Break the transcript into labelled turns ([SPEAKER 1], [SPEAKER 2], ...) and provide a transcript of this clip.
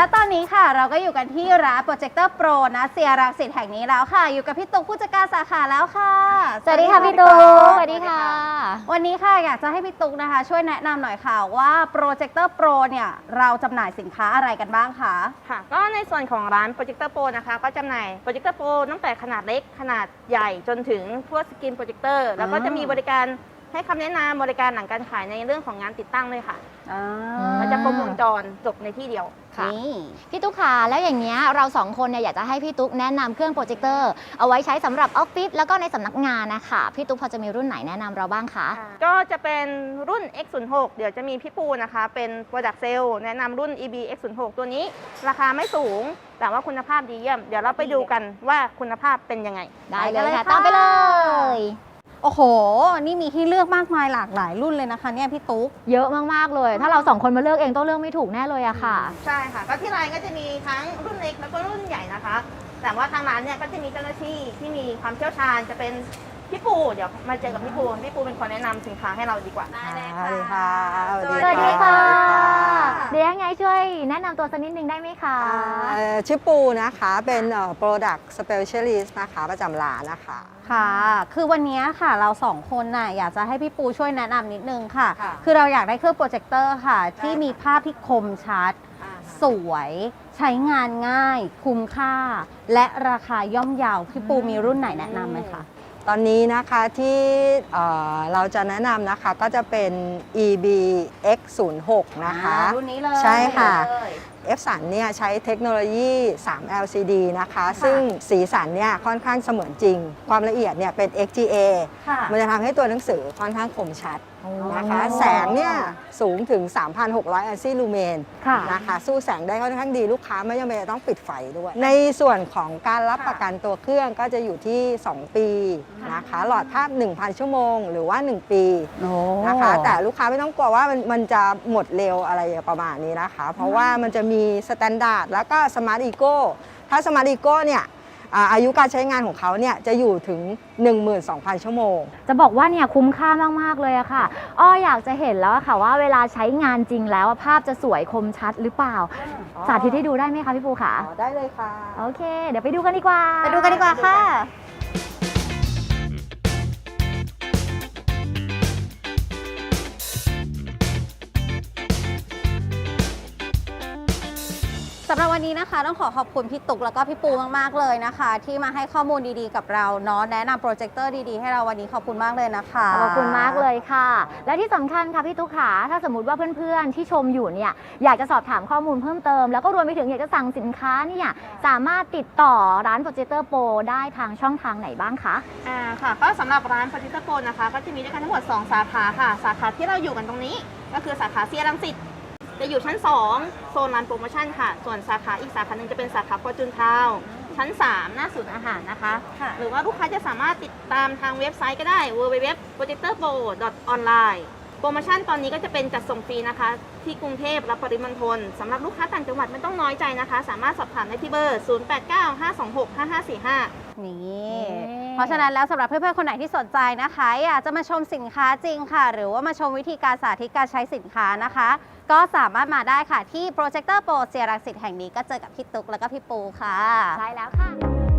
[SPEAKER 1] และตอนนี้ค่ะเราก็อยู่กันที่ร้านโปรเจคเตอร์โปรนะเซียรังสิตแห่งนี้แล้วค่ะอยู่กับพี่ตุ๊กผู้จัดการสาขาแล้วค่ะ
[SPEAKER 2] สวัสดีค่ะพี่ตุ๊กสวัสดีค่ะ
[SPEAKER 1] วันนี้ค่ะอยากจะให้พี่ตุ๊กนะคะช่วยแนะนำหน่อยค่ะว่าโปรเจคเตอร์โปรเนี่ยเราจำหน่ายสินค้าอะไรกันบ้างคะ
[SPEAKER 3] ค่ะก็ในส่วนของร้านโปรเจคเตอร์โปรนะคะก็จำหน่ายโปรเจคเตอร์โปรตั้งแต่ขนาดเล็กขนาดใหญ่จนถึงพวกสกรีนโปรเจคเตอร์แล้วก็จะมีบริการให้คำแนะนำบริการหลังการขายในเรื่องของงานติดตั้งเลยค่ะมันจะครบวงจรจบในที่เดียว
[SPEAKER 2] ค่ะพี่ตุ๊กค่ะแล้วอย่างเงี้ยเราสองคนเนี่ยอยากจะให้พี่ตุ๊กแนะนำเครื่องโปรเจคเตอร์เอาไว้ใช้สำหรับออฟฟิศแล้วก็ในสำนักงานนะคะพี่ตุ๊กพอจะมีรุ่นไหนแนะนำเราบ้างคะ
[SPEAKER 3] ก็จะเป็นรุ่น X06 เดี๋ยวจะมีพี่ปูนะคะเป็น Product Sale แนะนำรุ่น EB X06 ตัวนี้ราคาไม่สูงแต่ว่าคุณภาพดีเยี่ยมเดี๋ยวเราไปดูกันว่าคุณภาพเป็นยังไง
[SPEAKER 2] ได้เลยค่ะตามไปเลย
[SPEAKER 1] โอ้โหนี่มีให้เลือกมากมายหลากหลายรุ่นเลยนะคะเนี่ยพี่ตุ๊ก
[SPEAKER 2] เยอะมากๆเลยถ้าเราสองคนมาเลือกเองต้องเลือกไม่ถูกแน่เลยอะค่ะ
[SPEAKER 3] ใช่ค่ะก็ที่ร้านก็จะมีทั้งรุ่นเล็กแล้วก็รุ่นใหญ่นะคะแต่ว่าทางร้านเนี่ยก็จะมีเจ้าหน้าที่ที่มีความเชี่ยวชาญจะเป็นพี่ปูเดี๋ยวมาเจอกับพี่ปูเป็นคนแนะนำสินค้าให้เราดีกว่า
[SPEAKER 1] ได้เลยค่ะ
[SPEAKER 2] สวัสดีค่ะเดี๋ยวยังไงช่วยแนะนำตัวสักนิดนึงได้ไหมคะ
[SPEAKER 4] ชื่อปูนะคะเป็น Product Specialist นะคะประจำร้านนะคะ
[SPEAKER 1] ค่ะคือวันนี้ค่ะเราสองคนน่ะอยากจะให้พี่ปูช่วยแนะนำนิดนึงค่ะคือเราอยากได้เครื่องโปรเจคเตอร์ค่ะที่มีภาพที่คมชัดสวยใช้งานง่ายคุ้มค่าและราคาย่อมเยาพี่ปูมีรุ่นไหนแนะนำไหมคะ
[SPEAKER 4] ตอนนี้นะคะที่เราจะแนะนำนะคะก็จะเป็น EB X06 นะคะ
[SPEAKER 1] รุ่นนี้เลย
[SPEAKER 4] ใช่ค่ะ F สันเนี่ยใช้เทคโนโลยี 3 LCD นะคะซึ่งสีสันเนี่ยค่อนข้างเสมือนจริงความละเอียดเนี่ยเป็น XGA มันจะทำให้ตัวหนังสือค่อนข้างคมชัดนะคะแสงเนี่ยสูงถึง 3,600 อัลซี่ลูเมนนะคะสู้แสงได้ค่อนข้างดีลูกค้าไม่จำเป็นจะต้องปิดไฟด้วยในส่วนของการรับประกันตัวเครื่องก็จะอยู่ที่ 2 ปีนะคะหลอดภาพ 1,000 ชั่วโมงหรือว่า 1 ปีนะคะแต่ลูกค้าไม่ต้องกลัวว่ามันจะหมดเร็วอะไรประมาณนี้นะคะเพราะว่ามันจะมีสแตนดาร์ดแล้วก็สมาร์ทอีโก้ถ้าสมาร์ทอีโก้เนี่ยอายุการใช้งานของเขาเนี่ยจะอยู่ถึง 12,000 ชั่วโมง
[SPEAKER 2] จะบอกว่าเนี่ยคุ้มค่ามากๆเลยอะค่ะอ้ออยากจะเห็นแล้วค่ะว่าเวลาใช้งานจริงแล้วภาพจะสวยคมชัดหรือเปล่าสาธิตให้ดูได้ไหมคะพี่ปูคะ
[SPEAKER 4] ได้เลยค่ะ
[SPEAKER 2] โอเคเดี๋ยวไปดูกันดีกว่า
[SPEAKER 1] ค่ะสำหรับวันนี้นะคะต้องขอบคุณพี่ตุ๊กแล้วก็พี่ปูมากๆเลยนะคะที่มาให้ข้อมูลดีๆกับเราเนาะแนะนำโปรเจคเตอร์ดีๆให้เราวันนี้ขอบคุณมากเลยนะคะ
[SPEAKER 2] ขอบคุณมากเลยค่ะและที่สำคัญค่ะพี่ตุ๊กค่ะถ้าสมมติว่าเพื่อนๆที่ชมอยู่เนี่ยอยากจะสอบถามข้อมูลเพิ่มเติมแล้วก็รวมไปถึงอยากจะสั่งสินค้าเนี่ยสามารถติดต่อร้านโปรเจคเตอร์โปรได้ทางช่องทางไหนบ้างคะ
[SPEAKER 3] ค่ะก็สำหรับร้านโปรเจคเตอร์โปรนะคะก็จะมีด้วยกันทั้งหมด2 สาขาค่ะสาขาที่เราอยู่กันตรงนี้ก็คือสาขาเซียรังสิตจะอยู่ชั้น2โซนร้านโปรโมชั่นค่ะส่วนสาขาอีกสาขาหนึ่งจะเป็นสาขาฟอร์จูนทาวน์ชั้น3หน้าศูนย์อาหารนะคะหรือว่าลูกค้าจะสามารถติดตามทางเว็บไซต์ก็ได้ www.projectorpro.online โปรโมชั่นตอนนี้ก็จะเป็นจัดส่งฟรีนะคะที่กรุงเทพและปริมณฑลสำหรับลูกค้าต่างจังหวัดไม่ต้องน้อยใจนะคะสามารถสอบถามได้ที่เบอร์ 0895265545
[SPEAKER 1] นี่เพราะฉะนั้นแล้วสำหรับเพื่อนๆคนไหนที่สนใจนะคะอยากจะมาชมสินค้าจริงค่ะหรือว่ามาชมวิธีการสาธิตการใช้สินค้านะคะก็สามารถมาได้ค่ะที่โปรเจคเตอร์โปรเซียรังสิตแห่งนี้ก็เจอกับพี่ตุ๊กแล้วก็พี่ปูค่ะ
[SPEAKER 2] ใช่แล้วค่ะ